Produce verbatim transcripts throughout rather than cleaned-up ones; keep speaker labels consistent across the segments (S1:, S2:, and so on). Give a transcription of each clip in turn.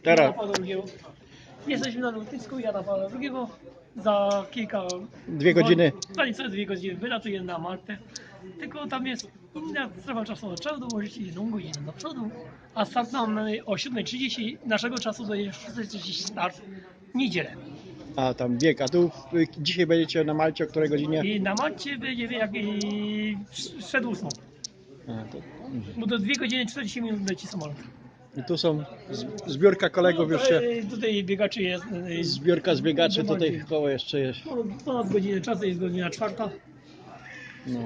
S1: Teraz.
S2: Jana Pawła drugiego. Jesteśmy na lotnisku Jana Pawła drugiego. Za kilka...
S1: Dwie godziny.
S2: Za niecałe dwie godziny wylatuję na Maltę. Tylko tam jest inna strefa czasowa. Trzeba dołożyć jedną godzinę do przodu. A start mamy o siódma trzydzieści. Naszego czasu do szósta trzydzieści start. Niedzielę.
S1: A tam bieg. A tu y, dzisiaj będziecie na Malcie o której godzinie?
S2: I na Malcie będzie jak i przed ósmą.
S1: A, to,
S2: Bo do dwie godziny czterdzieści minut leci samolot.
S1: I tu są z- zbiórka kolegów już się.
S2: E, Tutaj biegaczy jest. e,
S1: Zbiórka zbiegaczy tutaj
S2: Zobaczcie.
S1: koło jeszcze jest.
S2: No, ponad godzinę czasu, jest godzina czwarta.
S1: No.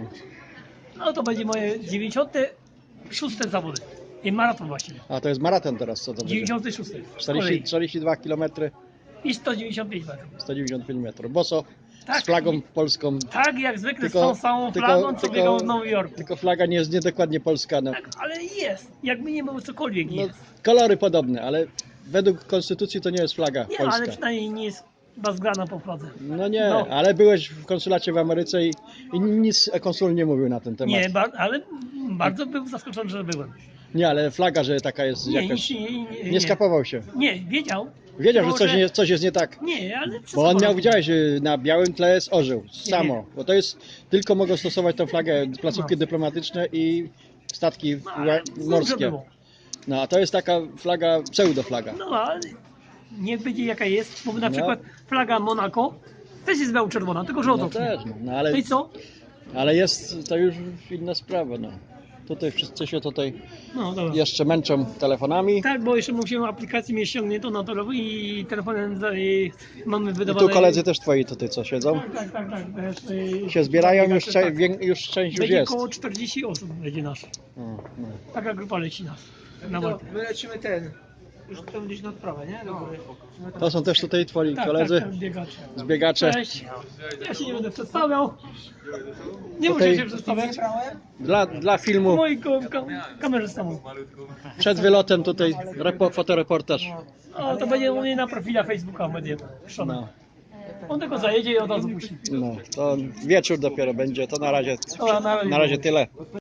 S2: No to będzie moje dziewięćdziesiąte szóste zawody. I maraton właściwie.
S1: A to jest maraton teraz, co to będzie?
S2: dziewięćdziesiąty szósty. z
S1: czterdzieści,
S2: kolei.
S1: czterdzieści dwa kilometry,
S2: I sto dziewięćdziesiąt pięć metrów.
S1: sto dziewięćdziesiąt pięć metrów. Boso,
S2: Tak.
S1: z flagą polską.
S2: Tak jak zwykle
S1: Tylko-
S2: z tą samą
S1: tylko-
S2: flagą, co
S1: tylko-
S2: biegał w Nowym Jorku.
S1: Tylko flaga nie jest niedokładnie polska. No.
S2: Tak, ale jest. Jakby nie było cokolwiek
S1: No,
S2: jest.
S1: kolory podobne, ale według konstytucji to nie jest flaga
S2: Nie,
S1: polska.
S2: ale przynajmniej nie jest bazgrana po fladze.
S1: No nie,
S2: No.
S1: ale byłeś w konsulacie w Ameryce i, i nic konsul nie mówił na ten temat.
S2: Nie, ba ale bardzo był zaskoczony, że byłem.
S1: Nie, ale flaga, że taka jest
S2: Nie,
S1: jakaś...
S2: nic nie, nie,
S1: Nie skapował się.
S2: Nie, wiedział.
S1: Wiedział, że
S2: Tylko,
S1: coś, nie, coś jest nie tak.
S2: Nie, ale
S1: Bo on miał,
S2: przesadował.
S1: widziałeś, y, na białym tle jest orzeł, samo.
S2: nie.
S1: Bo to jest, tylko mogą stosować tą flagę placówki
S2: No.
S1: dyplomatyczne i statki
S2: No, ale
S1: ła- morskie.
S2: dobrze było.
S1: No a to jest taka flaga, pseudoflaga.
S2: No ale niech będzie jaka jest, bo na
S1: No.
S2: przykład flaga Monako też jest biało-czerwona, tylko że
S1: No
S2: odwrotnie.
S1: też, no, no ale,
S2: No i co?
S1: ale jest to już inna sprawa. No. Tutaj wszyscy się tutaj
S2: No dobra.
S1: jeszcze męczą telefonami.
S2: Tak, bo jeszcze musimy aplikację mieć ściągniętą na telefon i telefonem za- i mamy
S1: I
S2: wydawane...
S1: tu koledzy też twoi tutaj co siedzą.
S2: Tak, tak, tak. tak. Też, y,
S1: Się zbierają, już,
S2: tak.
S1: cze- wię- już część już
S2: Będzie
S1: jest.
S2: około czterdzieści osób będzie nasz.
S1: No, no.
S2: Taka grupa leci nas. Na
S3: To
S2: Maltę.
S3: my lecimy ten. Już tam gdzieś na odprawę, nie? Do góry.
S1: To są też tutaj twoi
S2: Tak,
S1: koledzy,
S2: tak, tak, biegacze.
S1: zbiegacze.
S2: Cześć. Ja się nie będę przedstawiał. Nie
S1: Tutaj-
S2: muszę się przedstawiać.
S1: Dla, dla filmu
S2: Moi ko ka kamerzystami.
S1: przed wylotem tutaj repo, fotoreportaż.
S2: O, to będzie u mnie na profila Facebooka będzie puszczone.
S1: No,
S2: On tylko zajedzie i od razu puści.
S1: no, to wieczór dopiero będzie, to na razie,
S2: Dobra, na razie.
S1: na razie tyle.